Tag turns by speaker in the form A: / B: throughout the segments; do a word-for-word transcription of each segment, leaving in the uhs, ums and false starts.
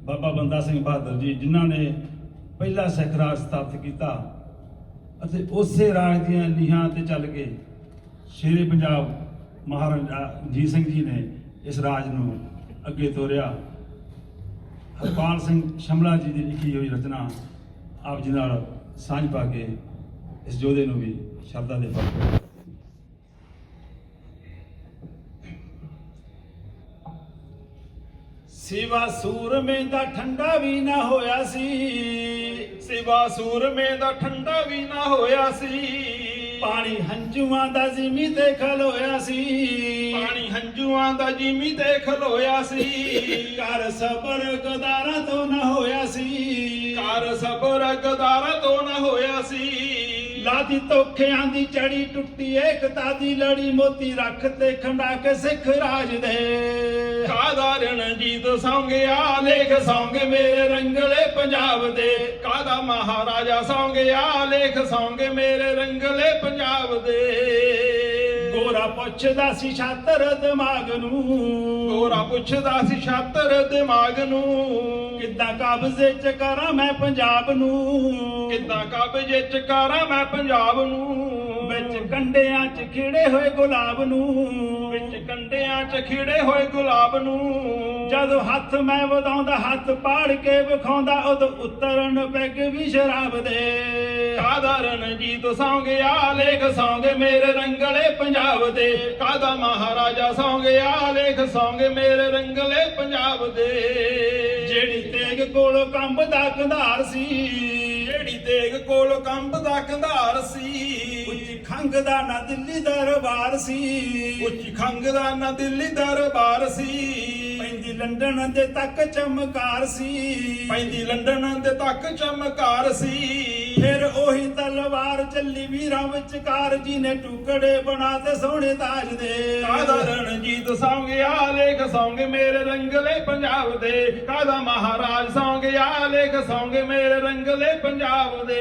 A: ਬਾਬਾ ਬੰਦਾ ਸਿੰਘ ਬਹਾਦਰ ਜੀ, ਜਿਨ੍ਹਾਂ ਨੇ ਪਹਿਲਾ ਸਿੱਖ ਰਾਜ ਸਥਾਪਿਤ ਕੀਤਾ ਅਤੇ ਉਸੇ ਰਾਜ ਦੀਆਂ ਨੀਹਾਂ ਤੇ ਚੱਲ ਕੇ ਸ਼ੇਰੇ ਪੰਜਾਬ ਮਹਾਰਾਜਾ ਰਣਜੀਤ ਸਿੰਘ ਜੀ ਨੇ ਇਸ ਰਾਜ ਨੂੰ ਅੱਗੇ ਤੋਰਿਆ। ਹਰਪਾਲ ਸਿੰਘ ਸ਼ਮਲਾ ਜੀ ਦੀ ਲਿਖੀ ਹੋਈ ਰਚਨਾ ਆਪ ਜੀ ਨਾਲ ਸਾਂਝ ਪਾ ਕੇ ਇਸ ਯੋਧੇ ਨੂੰ ਵੀ ਸ਼ਰਧਾ ਦੇ ਫਲ। ਸਿਵਾ ਸੂਰਮੇ ਦਾ ਠੰਡਾ ਵੀ ਨਾ ਹੋਇਆ ਸੀ,
B: ਸਿਵਾ ਸੂਰਮੇ ਦਾ ਠੰਡਾ ਵੀ ਨਾ ਹੋਇਆ ਸੀ,
A: ਪਾਣੀ ਹੰਝੂਆਂ ਦਾ ਜ਼ਿਮੀ ਤੇ ਖਲੋਇਆ ਸੀ,
B: ਪਾਣੀ ਹੰਝੂਆਂ ਦਾ ਜ਼ਿਮੀ ਤੇ ਖਲੋਇਆ ਸੀ,
A: ਕਰ ਸਬਰ ਗਦਾਰਾਂ ਤੋਂ ਨਾ ਹੋਇਆ ਸੀ,
B: ਕਰ ਸਬਰ ਗਦਾਰਾਂ ਤੋਂ ਨਾ ਹੋਇਆ ਸੀ,
A: ਲਾਦੀ ਧੋਖਿਆਂ ਦੀ ਚੜੀ ਟੁੱਟੀ ਏਕਤਾ ਦੀ ਲੜੀ, ਮੋਤੀ ਰੱਖ ਤੇ ਖੰਡਾ ਕੇ ਸਿੱਖ ਰਾਜ ਦੇ,
B: ਕਾਦਾ ਰਣਜੀਤ ਸੌਂਗਿਆ ਲੇਖ ਸੌਂਗ ਮੇਰੇ ਰੰਗਲੇ ਪੰਜਾਬ ਦੇ, ਕਾਦਾ ਮਹਾਰਾਜਾ ਸੌਂਗਿਆ ਲੇਖ ਸੌਂਗ ਮੇਰੇ ਰੰਗਲੇ ਪੰਜਾਬ ਦੇ।
A: ਗੋਰਾ ਪੁੱਛਦਾ ਸੀ ਛਾਤਰ ਦਿਮਾਗ ਨੂੰ,
B: ਗੋਰਾ ਪੁੱਛਦਾ ਸੀ ਛਾਤਰ ਦਿਮਾਗ ਨੂੰ,
A: ਕਿੱਦਾਂ ਕਬਜ਼ੇ ਚ ਕਰਾਂ ਮੈਂ ਪੰਜਾਬ ਨੂੰ,
B: ਕਿੱਦਾਂ ਕਬਜ਼ੇ ਚ ਕਰਾਂ ਮੈਂ ਪੰਜਾਬ ਨੂੰ,
A: ਵਿੱਚ ਕੰਡਿਆਂ ਚ ਖਿੜੇ ਹੋਏ ਗੁਲਾਬ ਨੂੰ,
B: ਵਿੱਚ ਕੰਡਿਆਂ ਚ ਖਿੜੇ ਹੋਏ ਗੁਲਾਬ ਨੂੰ,
A: ਜਦੋਂ ਹੱਥ ਮੈਂ ਵਧਾਉਂਦਾ ਹੱਥ ਪਾੜ ਕੇ ਵਿਖਾਉਂਦਾ ਉਦੋਂ ਉਤਰਨ ਪੈਗ ਵੀ ਸ਼ਰਾਬ ਦੇ,
B: ਕਾਦਾ ਰਣਜੀਤ ਸੌਂਗਿਆ ਲੇਖ ਸੌਂਗ ਮੇਰੇ ਰੰਗਲੇ ਪੰਜਾਬ ਦੇ, ਕਾਦਾ ਮਹਾਰਾਜਾ ਸੌਂਗਿਆ ਲੇਖ ਸੌਂਗ ਮੇਰੇ ਰੰਗਲੇ ਪੰਜਾਬ ਦੇ।
A: ਜਿਹੜੀ ਤੇਗ ਕੋਲੋਂ ਕੰਬਦਾ ਕੰਧਾਰ ਸੀ,
B: ਜਿਹੜੀ ਤੇਗ ਕੋਲ ਕੰਬਦਾ ਕੰਧਾਰ ਸੀ,
A: ਉੱਚੀ ਖੰਗ ਦਾ ਨਾ ਦਿੱਲੀ ਦਰਬਾਰ ਸੀ,
B: ਉੱਚੀ ਖੰਗ ਦਾ ਨਾ ਦਿੱਲੀ ਦਰਬਾਰ ਸੀ,
A: ਪੈਂਦੀ ਲੰਡਨ ਦੇ ਤੱਕ ਚਮਕਾਰ ਸੀ,
B: ਪੈਂਦੀ ਲੰਡਨ ਦੇ ਤੱਕ ਚਮਕਾਰ ਸੀ,
A: ਫਿਰ ਉਹੀ ਤਲਵਾਰ ਚੱਲੀ ਵੀਰਾਂ ਵਿਚਕਾਰ ਜੀ ਨੇ ਟੁਕੜੇ ਬਣਾ ਤੇ ਸੋਹਣੇ ਤਾਜ ਦੇ,
B: ਕਾਦਾ ਰਣਜੀਤ ਸੌਂਗਿਆ ਲੇਖ ਸੌਂਗ ਮੇਰੇ ਰੰਗਲੇ ਪੰਜਾਬ ਦੇ, ਕਾਦਾ ਮਹਾਰਾਜ ਸੌਂਗਿਆ ਲੇਖ ਸੌਂਗ ਮੇਰੇ ਰੰਗਲੇ ਪੰਜਾਬ ਦੇ।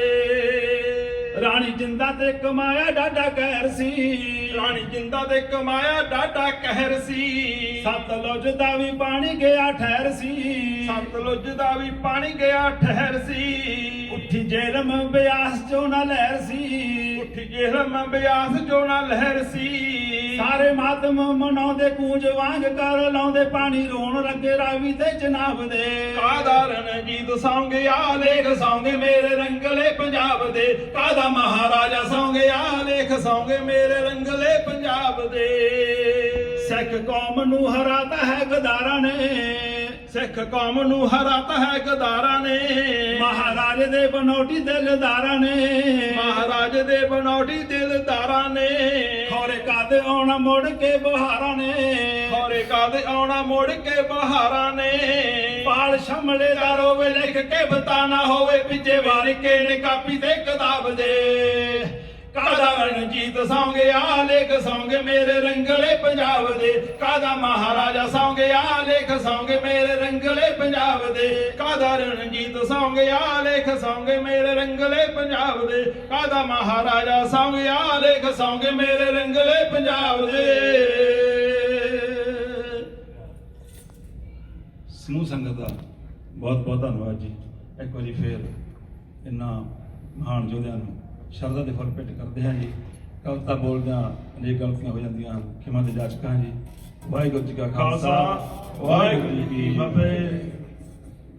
A: ਰਾਣੀ ਜਿੰਦਾ ਤੇ ਕਮਾਇਆ ਡਾਡਾ ਕਹਿਰ ਸੀ,
B: ਰਾਣੀ ਜਿੰਦਾ ਤੇ ਕਮਾਇਆ ਡਾਡਾ ਕਹਿਰ ਸੀ,
A: ਸਤਲੁਜ ਦਾ ਵੀ ਪਾਣੀ ਗਿਆ ਠਹਿਰ ਸੀ,
B: ਸਤਲੁਜ ਦਾ ਵੀ ਪਾਣੀ ਗਿਆ ਠਹਿਰ ਸੀ,
A: ਉੱਠੀ ਜੇਲਮ ਬਿਆਸ ਚੋਂ ਨਾ ਲਹਿਰ ਸੀ,
B: ਉੱਠੀ ਜੇਲਮ ਬਿਆਸ ਚੋਂ ਨਾ ਲਹਿਰ ਸੀ,
A: ਸਾਰੇ ਮਾਤਮ ਮਨਾਉਂਦੇ ਕੂੰਜ ਵਾਂਗ ਕਰ ਲਾਉਂਦੇ ਪਾਣੀ ਰੋਣ ਲੱਗੇ ਰਾਵੀ ਤੇ ਜਨਾਬ ਦੇ,
B: ਕਾਦਾ ਰਣਜੀਤ ਸੌਂਗਿਆ ਲੇਖ ਸੌਂਗ ਮੇਰੇ ਰੰਗਲੇ ਪੰਜਾਬ ਦੇ, ਕਾਦਾ ਮਹਾਰਾਜਾ ਸੌਂਗਿਆ ਲੇਖ ਸੌਂਗ ਮੇਰੇ ਰੰਗਲੇ ਪੰਜਾਬ ਦੇ।
A: ਸਿੱਖ ਕੌਮ ਨੂੰ ਹਰਾਤਾ ਹੈ ਗਦਾਰਾਂ ਨੇ,
B: ਸਿੱਖ ਕੌਮ ਨੂੰ ਹਰਾਤਾ ਹੈ ਗਦਾਰਾਂ ਨੇ,
A: ਮਹਾਰਾਜ ਦੇ ਬਨੋਟੀ ਦਿਲਦਾਰਾਂ ਨੇ,
B: ਮਹਾਰਾਜ ਦੇ ਬਨੋਟੀ ਦਿਲਦਾਰਾਂ ਨੇ,
A: ਖੌਰੇ ਕਦ ਆਉਣਾ ਮੁੜ ਕੇ ਬਹਾਰਾਂ ਨੇ,
B: ਖੌਰੇ ਕਦ ਆਉਣਾ ਮੁੜ ਕੇ ਬਹਾਰਾਂ ਨੇ,
A: ਪਾਲ ਸ਼ਮਲੇ ਦਾ ਰੋਵੇ ਲਿਖ ਕੇ ਬਤਾਨਾ ਹੋਵੇ ਪਿੱਛੇ ਵਾਰ ਕੇ ਨੇ ਕਾਪੀ ਤੇ ਕਿਤਾਬ ਦੇ,
B: ਕਾਦਾ ਰਣਜੀਤ ਸੌਂਗਿਆ ਲੇਖ ਸੌਂਗ ਮੇਰੇ ਰੰਗਲੇ ਪੰਜਾਬ ਦੇ, ਕਾਦਾ ਮਹਾਰਾਜਾ ਸੌਂਗਿਆ ਲੇਖ ਸੌਂਗ ਮੇਰੇ ਰੰਗਲੇ ਪੰਜਾਬ ਦੇ, ਕਾਦਾ ਰਣਜੀਤ ਸੌਂਗਿਆ ਲੇਖ ਸੌਂਗ ਮੇਰੇ ਰੰਗਲੇ ਪੰਜਾਬ ਦੇ, ਕਾਦਾ ਮਹਾਰਾਜਾ ਸੌਂਗਿਆ ਲੇਖ ਸੌਂਗ ਮੇਰੇ ਰੰਗਲੇ ਪੰਜਾਬ ਦੇ।
A: ਸਮੂਹ ਸੰਗਤ ਦਾ ਬਹੁਤ ਬਹੁਤ ਧੰਨਵਾਦ ਜੀ। ਇੱਕ ਵਾਰੀ ਫੇਰ ਇਹਨਾਂ ਮਹਾਨ ਯੋਧਿਆਂ ਨੂੰ ਸ਼ਰਧਾ ਦੇ ਫੁੱਲ ਭੇਟ ਕਰਦੇ ਹਾਂ ਜੀ। ਕਵਿਤਾ ਬੋਲਦਿਆਂ ਅਨੇਕ ਗਲਤੀਆਂ ਹੋ ਜਾਂਦੀਆਂ ਹਨ, ਖਿਮਾ ਦੇ ਜਾਚਕਾਂ ਜੀ। ਵਾਹਿਗੁਰੂ ਜੀ ਕਾ ਖਾਲਸਾ, ਵਾਹਿਗੁਰੂ ਜੀ ਕੀ ਫਤਿਹ।